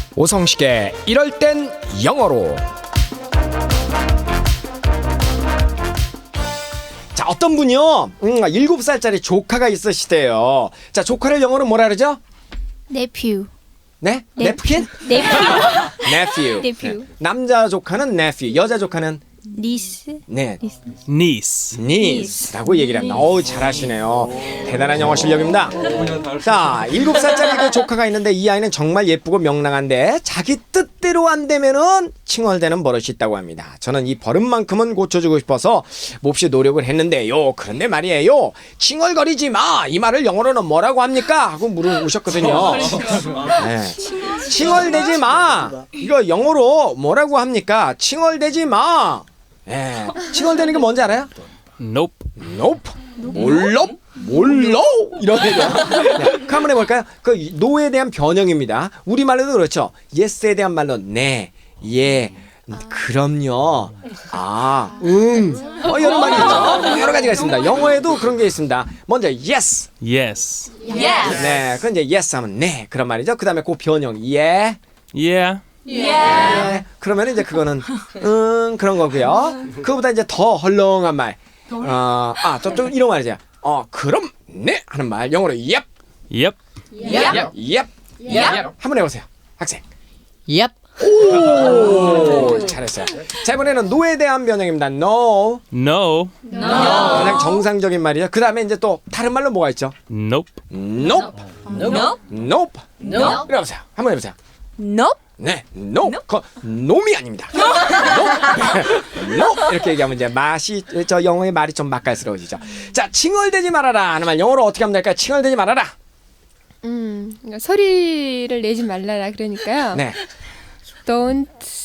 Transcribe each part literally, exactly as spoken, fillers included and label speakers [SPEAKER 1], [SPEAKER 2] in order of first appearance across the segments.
[SPEAKER 1] 오성식의 이럴 땐 영어로. 자, 어떤 분이요 음, 일곱 살짜리 조카가 있으시대요. 자, 조카를 영어로 뭐라 그러죠?
[SPEAKER 2] nephew.
[SPEAKER 1] 네?
[SPEAKER 2] 네.
[SPEAKER 1] 냅킨?
[SPEAKER 2] nephew.
[SPEAKER 1] nephew.
[SPEAKER 2] nephew.
[SPEAKER 1] 네. 남자 조카는 nephew, 여자 조카는
[SPEAKER 2] niece.
[SPEAKER 1] 네,
[SPEAKER 3] niece.
[SPEAKER 1] niece라고 얘기를 합니다. 어우, 잘하시네요. 대단한 영어 실력입니다. 자, 일곱 살짜리 그 조카가 있는데 이 아이는 정말 예쁘고 명랑한데 자기 뜻대로 안 되면은 칭얼대는 버릇이 있다고 합니다. 저는 이 버릇만큼은 고쳐주고 싶어서 몹시 노력을 했는데요. 그런데 말이에요. 칭얼거리지 마. 이 말을 영어로는 뭐라고 합니까? 하고 물어보셨거든요. 네. 칭얼대지 마. 이거 영어로 뭐라고 합니까? 칭얼대지 마. 예. 칭얼대는 게 뭔지 알아요?
[SPEAKER 3] Nope.
[SPEAKER 1] nope. 몰라? 몰라? 이런 얘기요. 네. 그 한번 해볼까요? 그 no에 대한 변형입니다. 우리말로도 그렇죠. yes에 대한 말로 네, 예, 그럼요, 아, 응, 어, 여러 말이 있죠. 여러 가지가 있습니다. 영어에도 그런 게 있습니다. 먼저 yes.
[SPEAKER 3] Yes.
[SPEAKER 1] 네, 그건 이제 yes 하면 네, 그런 말이죠. 그 다음에 그 변형 yeah.
[SPEAKER 3] Yeah.
[SPEAKER 1] 네, 그러면 이제 그거는 응, 그런 거고요. 그거보다 이제 더 헐렁한 말. 어, 아, 또, 또 이런 말이죠. 어, 그럼 네 하는 말 영어로 yep.
[SPEAKER 3] Yep.
[SPEAKER 1] yep. yep. yep. 한번 해보세요, 학생.
[SPEAKER 4] Yep.
[SPEAKER 1] 오, 잘했어요. 자, 이번에는 no에 대한 변형입니다. no.
[SPEAKER 3] No.
[SPEAKER 1] 가장 정상적인 말이죠. 그 다음에 이제 또 다른 말로 뭐가 있죠?
[SPEAKER 3] Nope.
[SPEAKER 1] nope.
[SPEAKER 4] Nope.
[SPEAKER 1] nope. nope. 해보세요. 한번 해보세요.
[SPEAKER 4] Nope.
[SPEAKER 1] 네, no, 그 놈이 아닙니다. no, no 이렇게 얘기하면 이제 맛이 저 영어의 말이 좀 맛깔스러워지죠. 자, 칭얼대지 말아라 하는 말 영어로 어떻게 하면 될까요? 칭얼대지 말아라.
[SPEAKER 5] 음, 그러니까 소리를 내지 말라라 그러니까요.
[SPEAKER 1] 네,
[SPEAKER 5] Don't.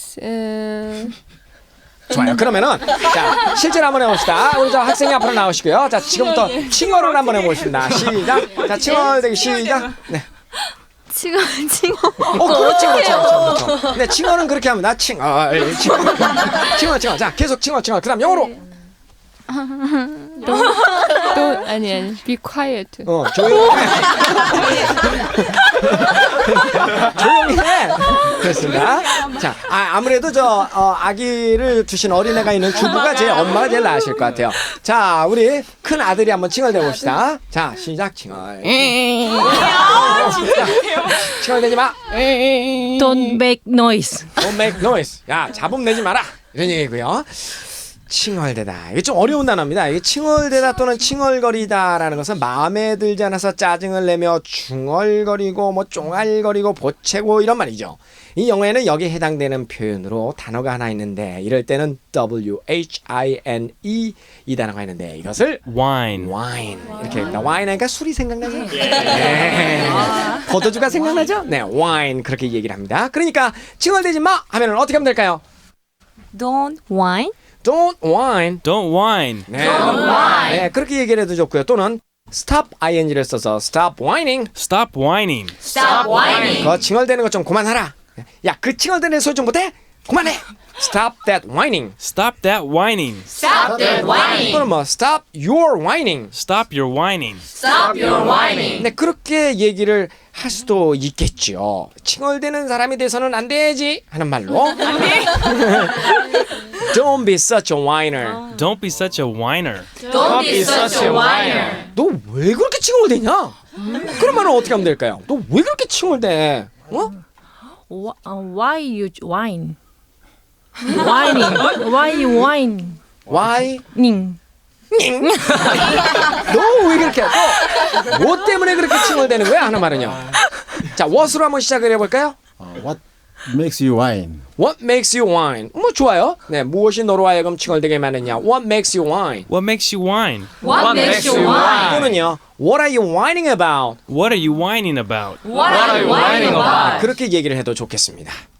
[SPEAKER 5] 음,
[SPEAKER 1] 좋아요. 그러면은 자, 실제로 한번 해봅시다. 우리 저 학생이 앞으로 나오시고요. 자, 지금부터 칭얼을 한번 해보겠습니다. 시작. 자, 칭얼대기 시작. 네.
[SPEAKER 2] 칭얼 칭얼.
[SPEAKER 1] 어, 그렇지, 그렇지, 그렇죠, 그렇죠. 네, 칭얼은 그렇게 합니다. 칭얼, 칭얼, 칭얼, 칭얼. 자, 계속 칭얼, 칭얼. 그다음 영어로.
[SPEAKER 5] don't 아니 아니. Be quiet.
[SPEAKER 1] 어, 조용히 해. 조용히 해. 그렇습니다. 자, 아, 아무래도 저 어, 아기를 두신 어린애가 있는 주부가 제 엄마가 제일 나으실 것 같아요. 자, 우리 큰 아들이 한번 칭얼대 봅시다. 자, 시작. 칭얼. 자, 칭얼대지 마.
[SPEAKER 4] Don't make noise.
[SPEAKER 1] Don't make noise. 야, 잡음 내지 마라. 이런 얘기고요. 칭얼대다. 이게 좀 어려운 단어입니다. 이게 칭얼대다 또는 칭얼거리다라는 것은 마음에 들지 않아서 짜증을 내며 중얼거리고 뭐 쫑알거리고 보채고 이런 말이죠. 이 영어에는 여기에 해당되는 표현으로 단어가 하나 있는데 이럴 때는 W H I N E 이 단어가 있는데 이것을
[SPEAKER 3] Wine.
[SPEAKER 1] wine 이렇게 합니다. wine 하니까 술이 생각나죠? 네. 포도주가 생각나죠? 네, wine 그렇게 얘기를 합니다. 그러니까 칭얼대지 마 하면은 어떻게 하면 될까요?
[SPEAKER 4] Don't whine.
[SPEAKER 1] Don't whine.
[SPEAKER 3] Don't whine.
[SPEAKER 1] 네. 네, 그렇게 얘기를 해도 좋고요. 또는 stop ing를 써서 stop whining.
[SPEAKER 3] Stop whining.
[SPEAKER 1] 그 칭얼대는 거 좀 그만하라. 야, 그 칭얼대는 소리 좀 못해? 그만해. Stop that whining.
[SPEAKER 3] Stop that whining.
[SPEAKER 1] 또는 뭐 stop your whining.
[SPEAKER 3] Stop your whining.
[SPEAKER 1] 네, 그렇게 얘기를 할 수도 있겠죠. 칭얼대는 사람이 돼서는 안 되지 하는 말로. Don't be such a whiner.
[SPEAKER 3] Don't be such a whiner.
[SPEAKER 1] 너 왜 그렇게 칭얼대냐? 그런 말은 어떻게 하면 될까요? 너 왜 그렇게 칭얼대? 어?
[SPEAKER 4] Wh- uh, why you whine? Whining. Why you whine?
[SPEAKER 1] Why?
[SPEAKER 4] ning.
[SPEAKER 1] 너 왜 그렇게 또 뭐 때문에 그렇게 칭얼대는 거야 하는 말은요. 자, what으로 한번 시작을 해볼까요?
[SPEAKER 6] Uh, what makes you whine?
[SPEAKER 1] What makes you whine? 뭐 좋아요. 네, 무엇이 너로 하여금 칭얼대게 만드냐? What makes you whine?
[SPEAKER 3] What makes you whine?
[SPEAKER 1] 또는요, What are you whining about?
[SPEAKER 3] What are you whining about?
[SPEAKER 1] 그렇게 얘기를 해도 좋겠습니다.